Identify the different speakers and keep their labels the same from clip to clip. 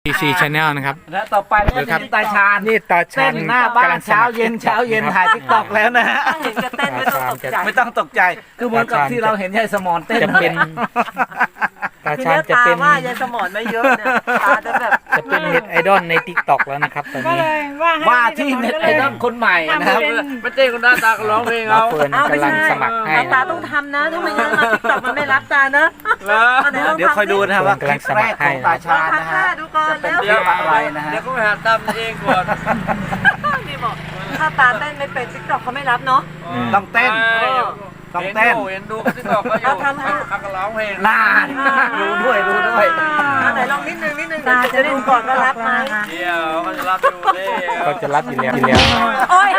Speaker 1: TC Channel นะครับ
Speaker 2: และต่อไปก็จะตาชาญ
Speaker 1: นี่ตาชาญ
Speaker 2: หน้าบ้านเช้าเย็นถ่ายทิกตอกแล้วนะฮะ
Speaker 3: เห็นจะเต้นไม่ต้องตกใจ
Speaker 2: คือเหมือนกับที่เราเห็นยายสมอนเต้น
Speaker 1: จะเป็นตา
Speaker 3: คือ
Speaker 1: ชาญ
Speaker 3: เนื้อ
Speaker 1: จะ
Speaker 3: ตา
Speaker 1: เป็น
Speaker 3: ว่ายายสมอนไม่เยอะเนี่ยตาจะแบบ
Speaker 1: จะเป็นเน็ตไอดอลใน TikTok แล้วนะครับตอนนี้
Speaker 2: ว่าที่เน็ตไอดอลคนใหม่นะครับ
Speaker 4: ไม่เต้นคนหน้าตาก็ร้องเพลง
Speaker 1: มา
Speaker 4: เอา
Speaker 1: เฟิร์นกำลังสมัครให้
Speaker 3: ตาต้องทำนะถ้าไม่งั้นมาติ๊กต็อกมันไม่รับตานะ
Speaker 2: เดี๋ยวคอยดูนะครับว่าคลิปแรกของตาชาญนะฮะ
Speaker 3: ดูก่อน
Speaker 2: จะเป็น
Speaker 3: แล้ว
Speaker 2: คลิปอะไรนะฮะ
Speaker 4: เดี๋ยวก็ไปหาตามเองก่อน
Speaker 3: นี่บอกถ้าตาเต้นไม่เป็นติ๊กต็อกเขาไม่รับเนาะ
Speaker 2: ต้องเต้นต้องเต้น
Speaker 4: เห็นดูติ๊กต็อกก็อยู่เขาก็ร้องเพลง
Speaker 2: นานรู้ด้วย
Speaker 3: ไหนลองนิดนึงตาจะดูก่อนว่ารับไหม
Speaker 4: เดี๋ยวเขาจะรับดูเลย
Speaker 1: ก็จะรับอยู่แล้ว
Speaker 3: โอ้ย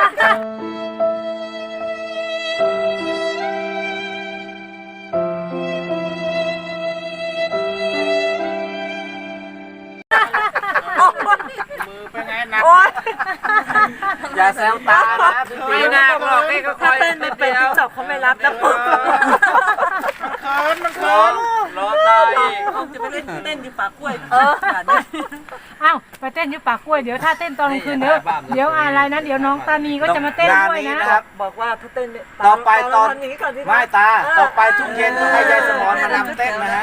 Speaker 3: โอ้ย
Speaker 2: อย่าแซวตานะ
Speaker 4: ไม่น่าหรอกนี่ก็ค
Speaker 3: ถ้า
Speaker 4: อย
Speaker 3: เต้นไม่เป็นติ๊กต็อกเขาไม่รับนะ
Speaker 4: มันเขินรอตาย
Speaker 3: คงจะไปเต้นอยู่ปากกล้วย
Speaker 5: อ้าวไปเต้นอยู่ปากกล้วยเดี๋ยวถ้าเต้นตอนกลางคืนเดี๋ยวอะไรนะเดี๋ยวน้องตานีก็จะมาเต้นด้วยนะ
Speaker 2: นะครับ
Speaker 3: บอกว่าถ้าเต้น
Speaker 2: ต่อไปตอน
Speaker 3: นี้ก่อนสิ
Speaker 2: ไม่ตาต่อไปทุกเย็นต้องให้ยายสมอนมานำเต้นนะฮะ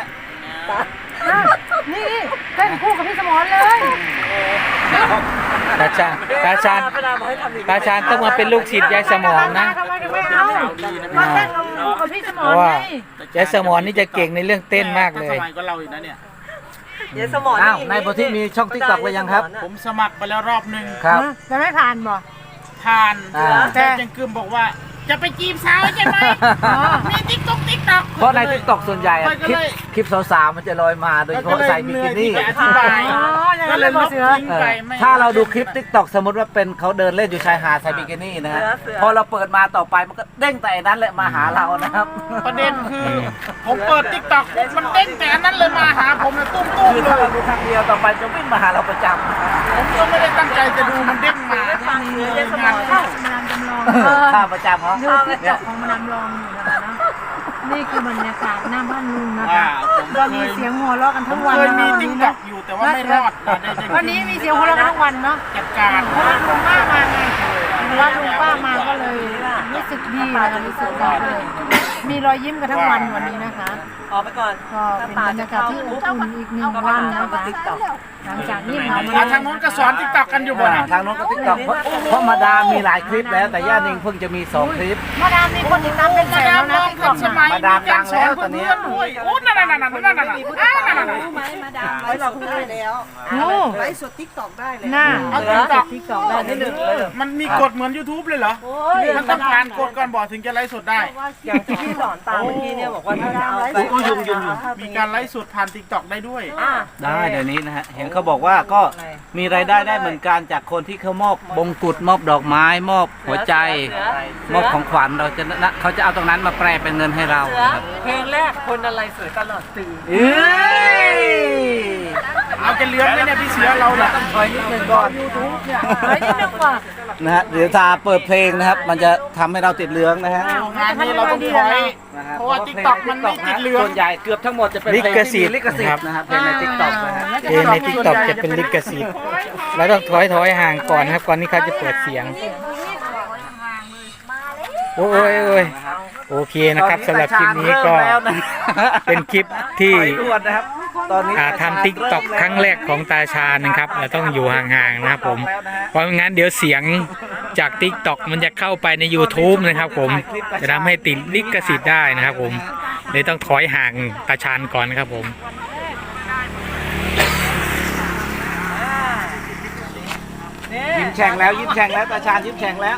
Speaker 5: นี่เต้นคู่กับพี่สมรเลย
Speaker 1: ตาชาญตาชาญต้องมาเป็นลูกศิษย์ยายสมรนะ
Speaker 5: ทำไมถึงไม่เอาก็เต้นคู่กับพี่สม
Speaker 1: เพ
Speaker 5: ร
Speaker 1: ราะว่า
Speaker 5: ไง
Speaker 1: ยายสมรนี่จะเก่งในเรื่องเต้นมากเลย
Speaker 4: สมัยก็เราอีกนะเนี่ย
Speaker 3: เดี๋ยวสมอง
Speaker 2: อ้าวนายโพธิมีช่องทิกตอกไปยังครับ
Speaker 4: ผมสมัครไปแล้วรอบหนึ่ง
Speaker 2: ครับ
Speaker 5: จะไม่ผ่านบ่
Speaker 4: ผ่าน
Speaker 2: แต่
Speaker 4: แต่ยังกึมบอกว่าจะไปจีบสาวใช่ไหมมีติ๊กต็อก
Speaker 2: เพราะในทิกตอกส่วนใหญ่อะ
Speaker 4: ไปก็เลย
Speaker 2: คลิปสาวๆมันจะลอยมาโดยเฉพาะใส่บิกินี่
Speaker 4: อธิบาย
Speaker 5: อ๋ออย่าง
Speaker 4: ก็
Speaker 5: นั้น
Speaker 4: เล
Speaker 5: เลย ย
Speaker 4: ล
Speaker 5: บ่
Speaker 4: บ
Speaker 5: เสือ
Speaker 4: ทิ้งไปไม่
Speaker 2: ถ้าเราดูคลิปทิกตอกสมมติว่าเป็นเขาเดินเล่นอยู่ชายหาดใส่บิกินี่นะฮะพอเราเปิดมาต่อไปมันก็เด้งแต่อันนั้นแหละมาหาเรานะครับ
Speaker 4: ประเด็นคือผมเปิดติ๊กต็อกมันเด้งแต่อันนั้นเลยมาหาผมเลยตุ้ม
Speaker 2: คือ
Speaker 4: เล
Speaker 2: ถ้าย เราดูครั้งเดียวต่อไปจะวิ่งมาหาเราประจ
Speaker 4: ผมก็ไม่ได้ตั้งใจจะดูมันเด้งมา
Speaker 3: ฟังเดี๋ยวสม
Speaker 4: งา
Speaker 3: อน ง
Speaker 4: เข้า
Speaker 5: มาดามจำลอง
Speaker 2: ำข้าประจำเหรอ
Speaker 5: ดูติ๊กต็อกของมาดามลองอยู่นะคะเนาะนี่คือบรรยากาศหน้าบ้านลุงนะคะ
Speaker 4: ผม
Speaker 5: ก็
Speaker 4: เค
Speaker 5: มี
Speaker 4: ย
Speaker 5: เสียงหัวเราะกันทั้งวัน
Speaker 4: เคย
Speaker 5: นะ
Speaker 4: มี
Speaker 5: วัน
Speaker 4: ติ๊ก
Speaker 5: นี้
Speaker 4: ต็อ
Speaker 5: นะ
Speaker 4: กอยู่แต่ว่าไม่รอดนะได้
Speaker 5: วันนี้มีเสียงหัวเราะกันทั้งวันเนาะ
Speaker 4: จัดการ
Speaker 5: เพราะว่าลุงป้ามาไงเพราะว่าลุงป้ามาก็เลยรู้สึกดีนะคะรู้สึกดีเลยมีรอยยิ้มกันทั้งวันวันนี้นะคะ
Speaker 3: ออกไปก่อน
Speaker 5: ก็เป็นบรรยากาศที่อบอุ่นอีกหนึ่งวันนะคะหลังจากนี้เรามา
Speaker 4: ทางนู้นก็สอนติ๊กต็อกกันอยู่บ่นะ
Speaker 2: ทางโน้นก็ทิกตอกเพราะมาดามมีหลายคลิปแล้วแต่ย่านิงเพิ่งจะมี2คลิป
Speaker 5: มาดามมีคนติดตามเป็นแสนแล้วนะติ๊กต็อก
Speaker 4: สมัย
Speaker 2: มาดามดังแล้วตอนนี้
Speaker 4: ด้วยโอ้นั่น
Speaker 3: ไว้เราพูดได้แล้ว
Speaker 5: โอ้
Speaker 3: ไลฟ์สดติ๊กต็อกได้เลย
Speaker 5: น่า
Speaker 4: เอาติ๊กต็อก
Speaker 5: ติ๊กต็อกได้
Speaker 3: นิดนึงเลย
Speaker 4: มันมีกฎเหมือน YouTube เลยเหรอมันต้องผ่านกฎก่อนบอกถึงจะไลฟ์สดได้
Speaker 3: อย่างที่พี่สอนตามเมื่อกี้เนี่ยบอกว่าถ้าจะเอาไป
Speaker 4: มีการไลฟ์สดผ่านติ๊กต็อกได้ด้วย
Speaker 2: ได้เดี๋ยวนี้นะฮะเห็นเขาบอกว่าก็มีรายได้ได้เหมือนกันจากคนที่เขามอบบงกุฎมอบดอกไม้มอบหัวใจ มอบของขวัญเราจะนะเขาจะเอาตรงนั้นมาแปลเป็นเงินให้เราครับ
Speaker 3: เพลงแรกคนอะไรสวยตลอดปี
Speaker 2: เอ้ย
Speaker 4: เอาจะเลี้ยงไหมเนี่ยพี่เสือเราเนี่ย
Speaker 2: ต้องถอยนิดนึงก่อน
Speaker 5: เฮ้ยนิดนึงว่ะ
Speaker 2: นะฮะเดี๋ยวตาเปิดเพลงนะครับ มันจะทำให้เราติดเหลืองนะฮะ
Speaker 4: งานนี้เราต้องถอย เพราะว่า TikTok มันไม่ติดเหลือง
Speaker 2: ส่วนใหญ่เกือบทั้งหมดจะเป็นเพลงที่มีลิขสิทธิ์นะครับเพลงใน TikTok นะฮะ
Speaker 1: เพลงใน TikTok จะเป็นลิขสิทธิ์แล้วต้องถอยห่างก่อนนะครับก่อนที่เขาจะเปิดเสียงโอ้ยโอเคนะครับสำหรับคลิปนี้ก็เป็นคลิปที่
Speaker 2: ถอยด่วนนะครับตอนนี้
Speaker 1: ทำ TikTok ครั้งแรกของตาชาญนะครับเราต้องอยู่ห่างๆนะครับผมเพราะงั้นเดี๋ยวเสียงจาก TikTok มันจะเข้าไปใน YouTube นะครับผมจะทำให้ติดลิขสิทธิ์ได้นะครับผมเลยต้องถอยห่างตาชาญก่อนนะครับผม
Speaker 2: ยิ้มแฉ่งแล้วยิ้มแฉ่งแล้วตาชาญยิ้มแฉ่งแล้ว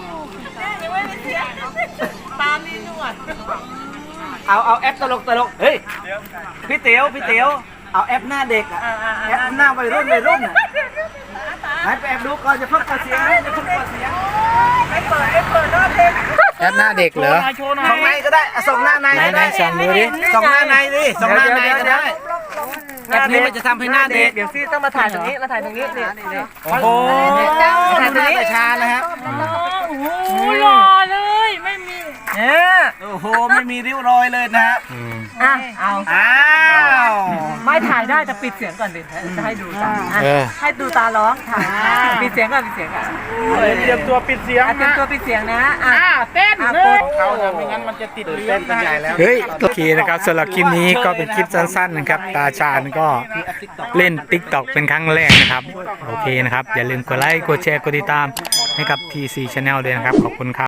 Speaker 3: ตามนี่นวด
Speaker 2: เอาแอปตลกเฮ้ยพี่เต๋วเอาแอปหน้าเด็กอะแอปหน้าวัยรุ่นอะไหนไปแอบดูก่อนจะเพิ่งเปิดเสียงจะเพิ่งเปิดเสียง
Speaker 3: ไม่เปิดรอบเพลง
Speaker 1: แอปหน้าเด็กเหรอ
Speaker 4: โชว์หน่อ
Speaker 2: ของใน
Speaker 4: ย
Speaker 2: ก็ได้ส่งหน้าในก็
Speaker 1: ไหน
Speaker 2: ได้
Speaker 1: ๆส่องดูดิ
Speaker 2: ส่งหน้าในดิส่งหน้าในก็ได้แอปนี้มันจะทำให้หน้าเด็ก
Speaker 3: เดี๋ยวซี่ต้องมาถ่ายตรงนี้มาถ่ายตรงนี้นี่
Speaker 2: โอ้โหทำหน้าตาชาญนะครับ
Speaker 5: โอ้หล่อเลยไม่มี
Speaker 3: เนี่ย
Speaker 2: โอ้โหไม่มีริ้วรอยเลยนะฮะ
Speaker 1: อืม
Speaker 3: อ่ะเอา
Speaker 2: อ้าว
Speaker 3: ไม่ถ่ายได้แต่ปิดเสียงก่อนดิจะให้ดูตา
Speaker 1: เออ
Speaker 3: ให้ดูตาร้องถ่ายปิดเสียงก่อนปิดเสียงก่อน
Speaker 4: เตรียมตัวปิดเสียง
Speaker 3: เตรียม
Speaker 4: นะ
Speaker 3: ตัวปิดเสียงนะอ่ะ
Speaker 4: เต้น
Speaker 3: อ่ะ
Speaker 4: เล
Speaker 3: ก
Speaker 4: ย
Speaker 3: ด
Speaker 4: เขานะไม่งั้นมันจะติดเลี้ยงนะ
Speaker 1: เฮ้ยโอเคนะครับสำหรับคลิปนี้ก็เป็นคลิปสั้นๆนะครับตาชาญก็เล่น TikTok เป็นครั้งแรกนะครับโอเคนะครับอย่าลืมกดไลค์กดแชร์กดติดตามให้กับ PC Channel ด้วยนะครับขอบคุณครับ